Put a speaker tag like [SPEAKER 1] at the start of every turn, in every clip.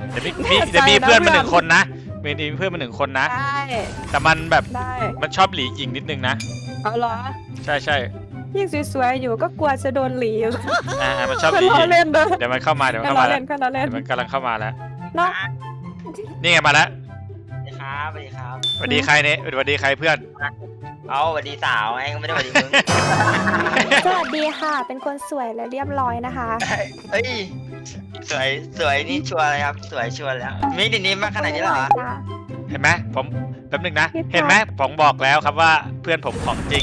[SPEAKER 1] จะมีเพื่อนมา1 คนนะมีเพื่อนมา1 คนนะ
[SPEAKER 2] ได้
[SPEAKER 1] แต่มันแบบ
[SPEAKER 2] ได้
[SPEAKER 1] มันชอบหลีหญิงนิดนึงนะ
[SPEAKER 2] เอาเหรอ
[SPEAKER 1] ใช่
[SPEAKER 2] ยิ่งสวยๆอยู่ก็กลัวจะโดนหลีอยู่
[SPEAKER 1] มันชอบห
[SPEAKER 2] ก็
[SPEAKER 1] ลีห
[SPEAKER 2] ล้อ
[SPEAKER 1] ญิง
[SPEAKER 2] เล่นเด้อ
[SPEAKER 1] เดี๋ยวมันเข้ามา
[SPEAKER 2] ก็ล้อเล่นก็ล้อเล่น
[SPEAKER 1] เดี๋ยวมันกำลังเข้ามาแล้ว
[SPEAKER 2] เนาะ
[SPEAKER 1] นี่ไงมาแล้ว
[SPEAKER 3] สวัสดีครับ
[SPEAKER 1] สวัสดีใครเนี่ยสวัสดีใครเพื่อน
[SPEAKER 3] เอาสวัสดีสาวไงก็ไม่ได้สวัสดีมึง
[SPEAKER 4] สวัสดีค่ะ เป็นคนสวยและเรียบร้อยนะคะ
[SPEAKER 3] เฮ้ยสวยนี่ชัวร์เลยครับสวยชัวร์แล้วมีดินนี้มากขนาดนี้เหรอ
[SPEAKER 4] ค่ะ
[SPEAKER 1] เห็นไหมผมแป๊บนึงนะเห็นไหมผมบอกแล้วครับว่าเพื่อนผมของจริง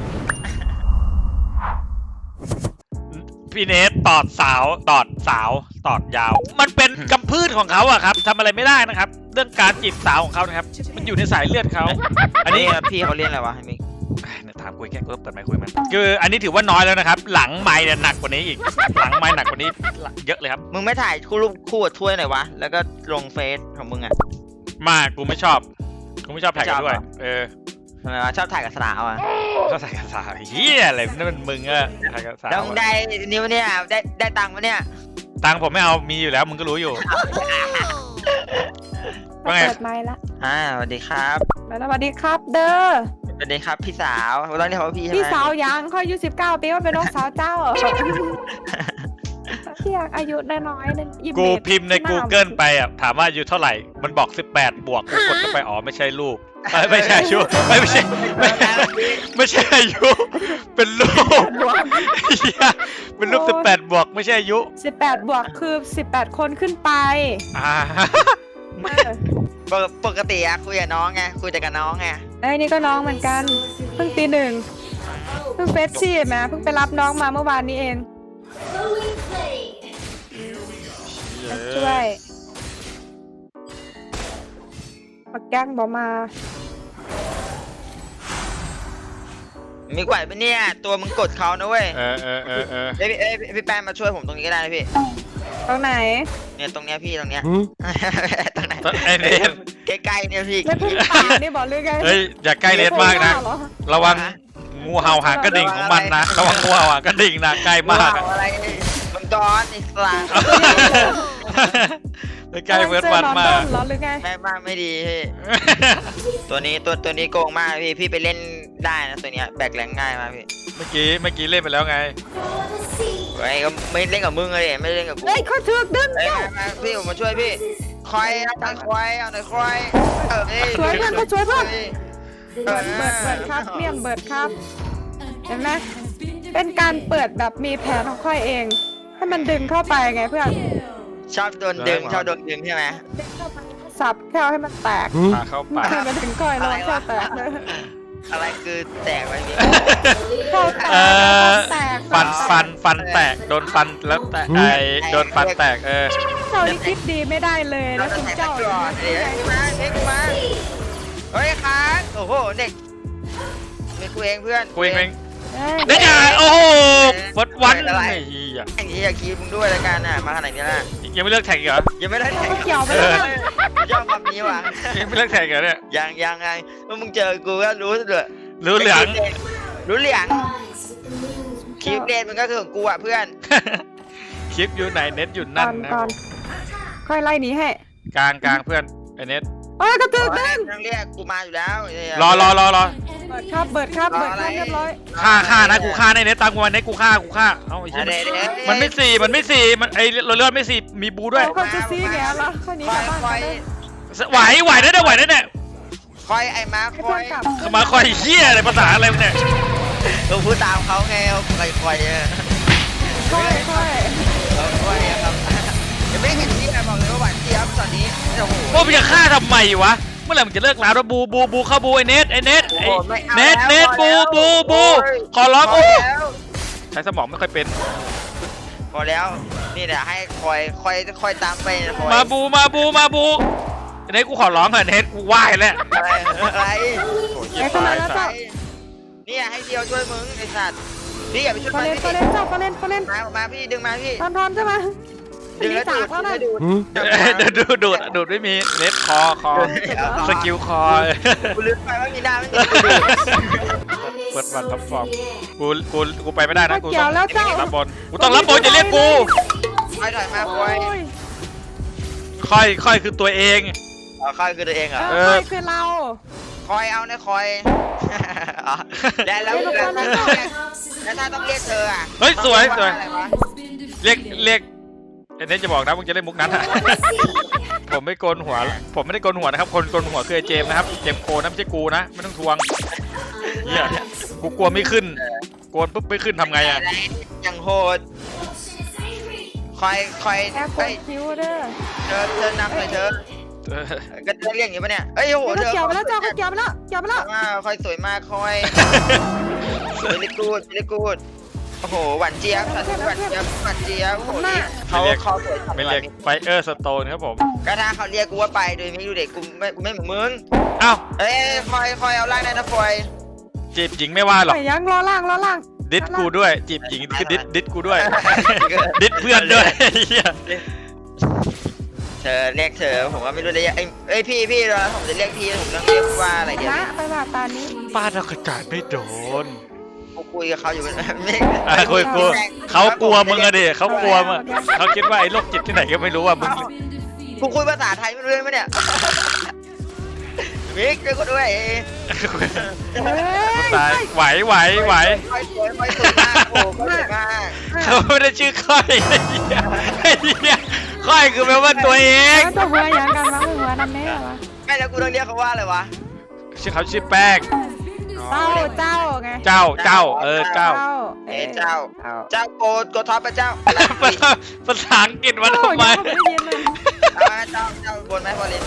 [SPEAKER 1] พี่เนสตอดสาวตอดยาว มันเป็นกำพืชของเขาอะครับทำอะไรไม่ได้นะครับ เรื่องการจีบสาวของเขานะครับมันอยู่ในสายเลือดเขาอันนี้
[SPEAKER 3] พี่เขาเรียนอะไรวะมิก
[SPEAKER 1] ถามคุยแค่กูต้องเปิดไมค์คุยมันคืออันนี้ถือว่าน้อยแล้วนะครับหลังไมค์เนี่ยหนักกว่านี้อีกหลังไมค์หนักกว่านี้เยอะเลยครับ
[SPEAKER 3] มึงไม่ถ่ายรูปคู่กับถ้วยหน่อยวะแล้วก็ลงเฟซของมึงอ่ะ
[SPEAKER 1] มากกูไม่ชอบถ่ายกันด้วย
[SPEAKER 3] ทำไมวะชอบถ่ายกับสาวอ่ะ
[SPEAKER 1] ชอบถ่ายกับสาวเฮียอะไรนั่นมันมึงอะถ่ายกับสาว
[SPEAKER 3] แล้วมึงได้นี่วะเนี่ยได้ตังค์วะเนี่ย
[SPEAKER 1] ตังค์ผมไม่เอามีอยู่แล้วมึงก็รู้อยู่ ว่าไง
[SPEAKER 4] เปิดไมค์ละ
[SPEAKER 3] สวัสดีครับ
[SPEAKER 2] สวัสดีครับเด้อ
[SPEAKER 3] สวัสดีครับพี่สาวเราเรียกเขาว่าพี่ใช่ไหม
[SPEAKER 2] พี่สาวยังค่อยอายุ19 ปีว่าเป็นน้องสาวเจ้าพี่อยากอายุน้อยๆนึง
[SPEAKER 1] กูพิมพ์ใน Google ไปอ่ะถามว่าอายุเท่าไหร่มันบอก18บวกกูกดเข้าไปอ๋อไม่ใช่ลูกไม่ใช่อายุไม่ใช่อายุเป็นลูกเหี้ยเป็นรูป18บวกไม่ใช่อายุ
[SPEAKER 2] 18 บวกคือ18 คนขึ้นไป
[SPEAKER 3] ปกติอะคุยกับน้องไงคุยแต่กับน้องไง
[SPEAKER 2] ไอ้นี่ก็น้องเหมือนกันเพิ่งปี 1เพิ่งเฟสชี่แม่เพิ่งไปรับน้องมาเมื่อวานนี้เองช่วยปักแก้งบอกมา
[SPEAKER 3] มีไหวปะเนี่ยตัวมึงกดเขานะเว้ย พี่แป้นมาช่วยผมตรงนี้ก็ได้นะพี่
[SPEAKER 2] ตรงไหน
[SPEAKER 3] เนี่ยตรงเนี้ยพี่ตรงเนี้ยตรงไหน
[SPEAKER 1] ไอ้เนท
[SPEAKER 3] ใกล้ๆเนี่ยพี่
[SPEAKER 2] เล่นพึ่งป่านี่บอกเลยไง
[SPEAKER 1] เฮ้ยอย่าใกล้เนทมากนะระวังงูเห่าหางกระดิ่งของมันนะระวังงูเห่าหางกระดิ่งนะใกล้มาก
[SPEAKER 3] อะไรมังกรอีกสลา
[SPEAKER 1] ใกล้เวิร์ดวันมาก
[SPEAKER 2] เหรอหรือไง
[SPEAKER 3] แม่บ้านไม่ดีพี่ตัวนี้โกงมากพี่ไปเล่นได้นะตัวเนี้ยแบกแรงง่ายมากพี่
[SPEAKER 1] เมื่อกี้เล่นไปแล้วไง
[SPEAKER 3] ไอ้ก็ไม่เล่นกับมึงเลยไม่เล่นกับกู
[SPEAKER 2] เฮ้ยเขาถึกดึง
[SPEAKER 3] มาพี่ผมมาช่วยพี่คอยเอาหน่อยคอย
[SPEAKER 2] ช่วยเพื่อนก็ช่วยเพื่อนเบิดครับเมี่ยมเบิดครับเห็นไหมเป็นการเปิดแบบมีแผนของค่อยเองให้มันดึงเข้าไปไงเพื่อน
[SPEAKER 3] ชอบโดนดึงใช่ไหม
[SPEAKER 2] สับแค่ให้มันแตก
[SPEAKER 1] พาเข้าป่า
[SPEAKER 2] ให้มันถึงค่อยแล้วแค่แตกเลย
[SPEAKER 3] อะไรคือแตกไว้พี่
[SPEAKER 2] เข้าแตก
[SPEAKER 1] ฟันแตกโดนฟันแล้วแตกโดนฟันแตก
[SPEAKER 2] เจ้านี่คิดดีไม่ได้เลย
[SPEAKER 3] เรา
[SPEAKER 2] นะ
[SPEAKER 3] จะ
[SPEAKER 2] คุณ
[SPEAKER 3] แตก
[SPEAKER 2] เจ้า
[SPEAKER 3] ก่อนเดี๋ยวมาเฮ้ยค้างโอ้โหเด็กมีกูเองเพื่อน
[SPEAKER 1] กูเองได้ไงโอ้โหฟัดวันไอ้เหี้ย
[SPEAKER 3] ไอ้ที่อยากคีมึงด้วยละกันน่ะมาขนาดนี้ละ
[SPEAKER 1] ยังไม่เลิกแท็กอีกเหรอ
[SPEAKER 3] ยังไม่ได้แท็ก
[SPEAKER 2] เกี่ยวไปแล้ว
[SPEAKER 3] ยอมแบบนี้ว่ะ
[SPEAKER 1] ยังไม่เลิกแท็กเหรอเนี่ย
[SPEAKER 3] ยังไงเมื่อมึงเจอกูก็รู้เลย
[SPEAKER 1] รู้เหลือง
[SPEAKER 3] รู้เหลืองคลิปเดนมันก็คือของกูอ่ะเพื่อน
[SPEAKER 1] คลิปอยู่ไหนเน็ตอยู่นั่นนะ
[SPEAKER 2] ก่อนค่อยไล่หนีให้
[SPEAKER 1] กลางเพื่อนไอเน็ต
[SPEAKER 2] เอ้ยกระตึกดึง
[SPEAKER 3] นั่งเรียกกูมาอยู่แล้ว
[SPEAKER 1] รอ
[SPEAKER 2] เบิดครับเรียบร้อย
[SPEAKER 1] ฆ่านะกูฆ่าในเน็ตตามกูมาเน็ตกูฆ่าเอ้าไอ้เหี้ยมันไม่สี่มันไอเลือดไม่สี่มีบูด้วย
[SPEAKER 2] เขาจะซีแง่ละค่อยหนีกลับบ้าน
[SPEAKER 1] ไหวได้เนี่ย
[SPEAKER 3] คอยไอ้มาคอย
[SPEAKER 1] มาคอยเหี้ยอะไรภาษาอะไรเนี่ย
[SPEAKER 3] เราพูดตามเขาไงคอย
[SPEAKER 2] ค่อย
[SPEAKER 3] ครับยังไม่เห็นที่ไหนบอกเลยว่าหวานเจี๊ยบตอนนี้โอ้โห
[SPEAKER 1] โอ้มึงจะฆ่าทำไมวะเมื่อไหร่มึงจะเลิกแล้วบูเข้าบูไอเน็ตบูขอร้องใช้สมองไม่ค่อยเป็น
[SPEAKER 3] พอแล้วนี่แหละให้คอยตามไป
[SPEAKER 1] มาบูเน็ตกูขอร้องเถอะเน็ตกูไหว้แล้ว
[SPEAKER 3] อะไร
[SPEAKER 1] โอ้ยเหี้ยตายสัส
[SPEAKER 3] เนี่ยให้เดียวช่วยมึงไอ้สัตว์พี่อย่าไปช่วย
[SPEAKER 2] เขาเล่น
[SPEAKER 3] มาพี่ดึงมาพี่
[SPEAKER 2] ทอนใช่ไหม
[SPEAKER 3] ดึงแล้วดูด
[SPEAKER 1] ดูดไม่มีเน็ตคอสกิลคอ
[SPEAKER 3] กูลืมไปว่ามีหน้าไม่มี
[SPEAKER 1] เปิดวันท็อปฟอร์มกูไปไม่ได้นะกู
[SPEAKER 2] เกี่ยวแล้วเจ้า
[SPEAKER 1] รับบอลกูต้องรับบอลจะเรียกกู
[SPEAKER 3] ถอยมาคอย
[SPEAKER 1] ค่อยคือตัวเอง
[SPEAKER 3] เอาค่อยคือตัวเองเหรอ
[SPEAKER 2] ค่อยคือเรา
[SPEAKER 3] คอยเอานะคอยแล้วถ้าต้องเรียกเธออ่ะ
[SPEAKER 1] เฮ้ยสวย
[SPEAKER 3] อะไรวะ
[SPEAKER 1] เรียกไอ้เนทจะบอกนะมึงจะเล่นมุกนั้นอะ ผมไม่โกนหัว ผมไม่ได้โกนหัวนะครับ คนโกนหัวคือไอ้เจมส์นะครับ เจมส์โกนนะไม่ใช่กูนะ ไม่ต้องทวงเหี้ยกูกลัวไม่ขึ้น โกนปุ๊บไม่ขึ้นทำไงอะ
[SPEAKER 3] อย่างโหดคอย
[SPEAKER 2] แค่กดคิ้วเด้อ
[SPEAKER 3] เธอนำเลยเธอก็จะเรียกอย่างนี้ปะเนี่ยเอ้ยโห
[SPEAKER 2] เกี่ยวไปแล้วเจ้าเกี่ยวไปแล้วเกี่ยวไปแล้ว
[SPEAKER 3] คอยสวยมากคอยเวลิกูดโอ้โหหวานเจี๊ยบสัตว์หวานเจี๊ยบโอ้โหนี่เขาสวย
[SPEAKER 1] ไม่เรียกไฟเออร์สโตนครับผม
[SPEAKER 3] ก็ถ้าเขาเรียกกูว่าไปโดยไม่ดูเด็กกูไม่เหมือนมึง
[SPEAKER 1] อ้าว
[SPEAKER 3] เอ้ยคอยเอาล่างได้นะคอย
[SPEAKER 1] จีบหญิงไม่ว่าหรอก
[SPEAKER 2] ไปยังล้อล่าง
[SPEAKER 1] ดิสกูด้วยจีบหญิงคือดิสกูด้วย ดิสเพื่อนด้วยเหี้ย
[SPEAKER 3] เธอเรียกเธอผมก็ไม่รู้จะเรียกเอ้ยพี่เราผมจะเรียกพี่ผมต้องเรียกว่าอะไรเดี๋ยว
[SPEAKER 2] นะไปว่าตานี้
[SPEAKER 1] ป้าเรากระจายไม่โดน
[SPEAKER 3] กูคุยกับเขาอยู่เป็นไม่
[SPEAKER 1] คุยเขากลัวมึงอะดิเขากลัวมึงเขาคิดว่าไอ้โรคจิตที่ไหนก็ไม่รู้ว่ามึง
[SPEAKER 3] กูคุยภาษาไทยไม่รู้เรื่องไหมเนี่ยมิกช่วยกูด้วย
[SPEAKER 1] ตายไหว
[SPEAKER 3] คอยสวยมากโอ้ก็สวยมาก
[SPEAKER 1] เขาไม่ได้ชื่อค่อยไอ้เหี้ยค่อยคือแปลว่าตัวเอง
[SPEAKER 2] แล้วตัวหัวยังกันวะหัวนั่นแน่วะ
[SPEAKER 3] ไม่แล้วกูต้องเรียกเขาว่าอะไรวะ
[SPEAKER 1] ชื่อเขาชื่อแป้ง
[SPEAKER 2] เจ้าไง
[SPEAKER 1] เจ้าเจ้า
[SPEAKER 3] เจ้าโกท็อปพระเจ้า
[SPEAKER 1] ภาษาอังกฤษมาทำไม
[SPEAKER 2] ไม่ยินเลย
[SPEAKER 3] เจ้าบนไหมฟอร์เรน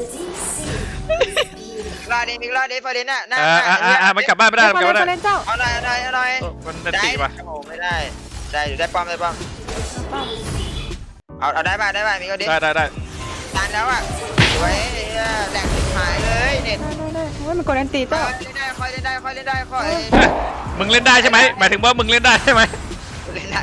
[SPEAKER 3] รอดิมิกรอดิฟอร์เรนน่ะ
[SPEAKER 1] มันกลับบ้านไม่ได้มันกลับบ้านไม่ได้
[SPEAKER 2] เจ้า
[SPEAKER 3] เอาหน่อย
[SPEAKER 1] มันจะตีป่ะ
[SPEAKER 3] โอ้ไม่ได้อยู่ได้ป้อมเอาได้ป่ะมิกเอาดิ
[SPEAKER 1] ได้
[SPEAKER 3] ตันแล้วอ่ะสวยแหลกหายเลยเน็ต
[SPEAKER 2] ได้ว่ามันกดอันตีเจ้า
[SPEAKER 3] เล่นได้ค่อย
[SPEAKER 1] มึงเล่นได้ใช่ไหมหมายถึงว่ามึงเล่นได้ใช่ไหม
[SPEAKER 3] เล่นได้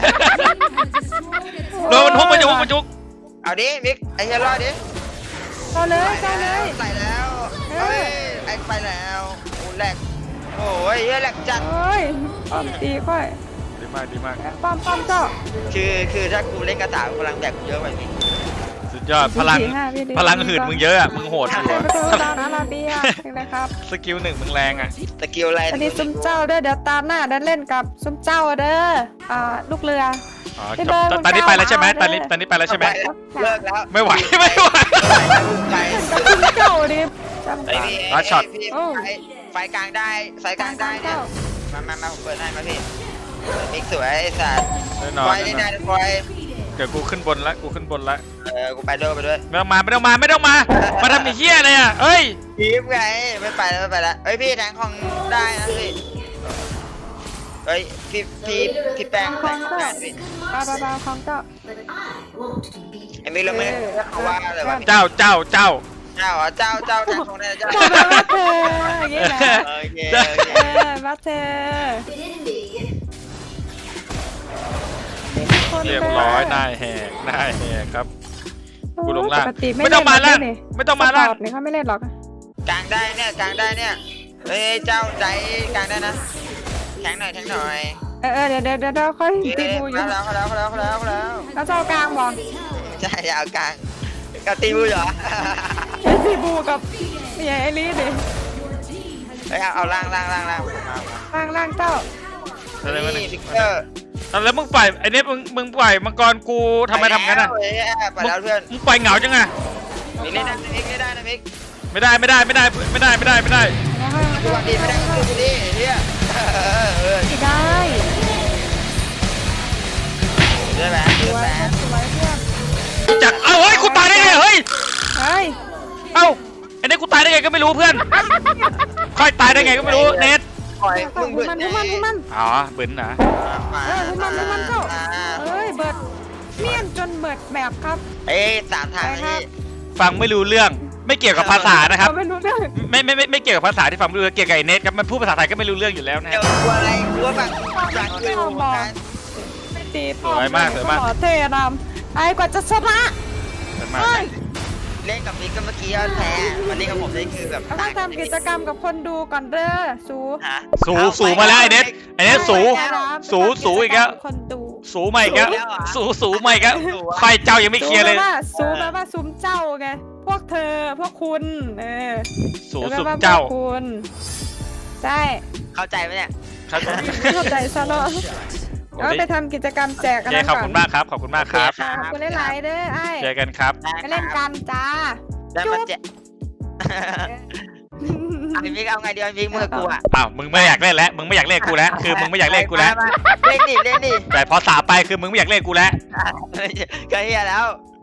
[SPEAKER 1] โดนมันจุก
[SPEAKER 3] เอาดิมิกไอ้เหี้ยรอดิ
[SPEAKER 2] เจ้าเลย
[SPEAKER 3] ใส่แล้วเฮ้ยไอ้ไปแล้วโอ้แหลกโอ้ยเหี้ยแหลกจัด
[SPEAKER 2] โอ้ยป้อมตีค่อย
[SPEAKER 1] ดีมาก
[SPEAKER 2] ป้อมเจ้า
[SPEAKER 3] คือถ้ากูเล่นกระถางพลังแบกกูเยอะไปมิก
[SPEAKER 1] สุดยอดพลังหื่นมึงเยอะอ่ะมึงโหดอยู่
[SPEAKER 2] ประตูดอนอาราเบียเป็นไรครับ
[SPEAKER 1] สกิล1มึงแรงอ่ะ
[SPEAKER 3] สกิลอะไร
[SPEAKER 2] อันนี้ซุ้มเจ้าเด้อเดี๋ยวตาหน้าได้เล่นกับซุ้มเจ้าเด้อลูกเรือ
[SPEAKER 1] อ๋อตอนนี้ไปแล้วใช่ไหมตอนนี้ไปแล้วใช่ไหม
[SPEAKER 3] เลิกแล้ว
[SPEAKER 1] ไม่ไหว
[SPEAKER 2] กับซุ้มเจ้าดิจำ
[SPEAKER 3] ไอ้
[SPEAKER 2] ตา
[SPEAKER 3] พี่ไฟกลางได้เนี่ยมาผมเปิดให้มาพี่มิกสวยไอ้สัตว์
[SPEAKER 1] แน่นอน
[SPEAKER 3] ไฟได้ได้ไฟ
[SPEAKER 1] เดี๋ยวกูขึ้นบนละกู
[SPEAKER 3] กูไปด้วย
[SPEAKER 1] ไม่ต้องมามาทำไอ้เหี้ยอะไรอ่ะเอ้ย
[SPEAKER 3] พีฟไงไม่ไปแล้วเฮ้ยพี่แทงของได้นะพี่เฮ้ยพี่แป้งได้พี่
[SPEAKER 2] บาของเจ้า
[SPEAKER 3] ไอ้มิกเราไม่เขาว่าอะไรวะ
[SPEAKER 1] เจ้า
[SPEAKER 3] เจ้าแทงของได้เจ้า
[SPEAKER 2] บอกว่าเธออย่างนี้แหละ
[SPEAKER 3] โอเค
[SPEAKER 2] ว่าเธอ
[SPEAKER 1] เรียบร้อยนายแหกครับกูลงล่างไม่ต้องมาล่าง
[SPEAKER 2] นี่เขาไม่เล่นหรอก
[SPEAKER 3] กลางได้เนี่ยเฮ้ยเจ้าใจกลางได้นะแทงหน่อย
[SPEAKER 2] เดี๋ยวค่อยตีบูอยู่
[SPEAKER 3] แล้ว
[SPEAKER 2] แล้วเจ้ากลางบอก
[SPEAKER 3] ใช่เอากลางก็ตีบูเหรอ
[SPEAKER 2] ตีบูกับใหญ่ไอรีดิ
[SPEAKER 3] เฮ้ยเอาล่าง
[SPEAKER 2] ล่างเจ้า
[SPEAKER 3] นี่พิกเกอร์
[SPEAKER 1] แล้วมึงปล่อยไอ้นี่มึงปล่อยมังกรกูทำไมทำงั้นอ่ะ
[SPEAKER 3] ไปแล้วเพื่อน
[SPEAKER 1] มึงปล่อยเหงาจังอ่ะ
[SPEAKER 3] มิกเล่นได้นะมิก
[SPEAKER 1] ไม่ได้
[SPEAKER 3] ดูวันดีไม่ได้ก็ดูดีเฮีย
[SPEAKER 2] ได้
[SPEAKER 3] เรื่องแบบ
[SPEAKER 2] สวยเพื่อน
[SPEAKER 1] จากเฮ้ยกูตายได้ไงเฮ้ย
[SPEAKER 2] เฮ้ย
[SPEAKER 1] เอ้าไอ้นี่กูตายได้ไงก็ไม่รู้เพื่อนค่อยตายได้ไงก็ไม่รู้เน็ต
[SPEAKER 3] ปล่อยมึงเบิด
[SPEAKER 2] มัน
[SPEAKER 1] อ๋อบึ้นนะ
[SPEAKER 2] มันเจ้าเฮ้ยเบิดเมี่ยนจนเบิดแบบครับ
[SPEAKER 3] เอ้3ทางนี่
[SPEAKER 1] ฟังไม่รู้เรื่องไม่เกี่ยวกับภาษานะครับ
[SPEAKER 2] ไม่รู้เรื่อง
[SPEAKER 1] ไม่เกี่ยวกับภาษาที่ฟังไม่รู้เกี่ยวกับไอ้เน็ตครับมันพูดภาษาไทยก็ไม่รู้เรื่องอยู่แล้วนะ
[SPEAKER 3] เดี๋ยวกลัวอะไรกลัวแบบ
[SPEAKER 2] ตีป้อมหล่อเท่ดำไอ้กว่าจะชนะ
[SPEAKER 3] เล่นกับมิกก็เมื่อกี้แพ้มันเล่นกับผมนี่คือแบบ
[SPEAKER 2] ต้องทำกิจกรรมกับคนดูก่อนเด้อสู
[SPEAKER 1] สูมาแล้วไอ้เน็ตสูอีกแล้ว
[SPEAKER 2] คนดู
[SPEAKER 1] สูใหม่ครับสูใหม่ครับไฟเจ้ายังไม่เคลียร์เลย
[SPEAKER 2] ซูแปลว่าซุ้มเจ้าไงพวกเธอพวกคุณ
[SPEAKER 1] สู
[SPEAKER 2] แปล
[SPEAKER 1] สุม
[SPEAKER 2] ว่า
[SPEAKER 1] เจ้า
[SPEAKER 2] พวกคุณใช่
[SPEAKER 3] เข้าใจไหมเนี่ย
[SPEAKER 1] ครับ
[SPEAKER 2] ไม่เข้าใจซะแล้วเอาไปทำกิจกรรมแจก
[SPEAKER 1] โอ
[SPEAKER 2] กัน
[SPEAKER 1] เค
[SPEAKER 2] นะ
[SPEAKER 1] ขอบคุณมากครับขอบคุณมากครับ
[SPEAKER 2] ขอบคุณหลายๆเด้อไอ้
[SPEAKER 1] เจอกันครับ
[SPEAKER 2] ไปเล่นกันจ้า
[SPEAKER 3] แล้วมันจะไอ้บิ๊กเอาไงเดียวบิ๊กมือกูอ่ะ
[SPEAKER 1] อ้าวมึงไม่อยากเล่นแล้วมึงไม่อยากเล่นกูแล้วคือมึงไม่อยากเล่นกูแล้ว
[SPEAKER 3] เล่นดิ
[SPEAKER 1] แต่พอสาไปคือมึงไม่อยากเล่นกูแล้ว
[SPEAKER 3] ก็เฮียแล้ว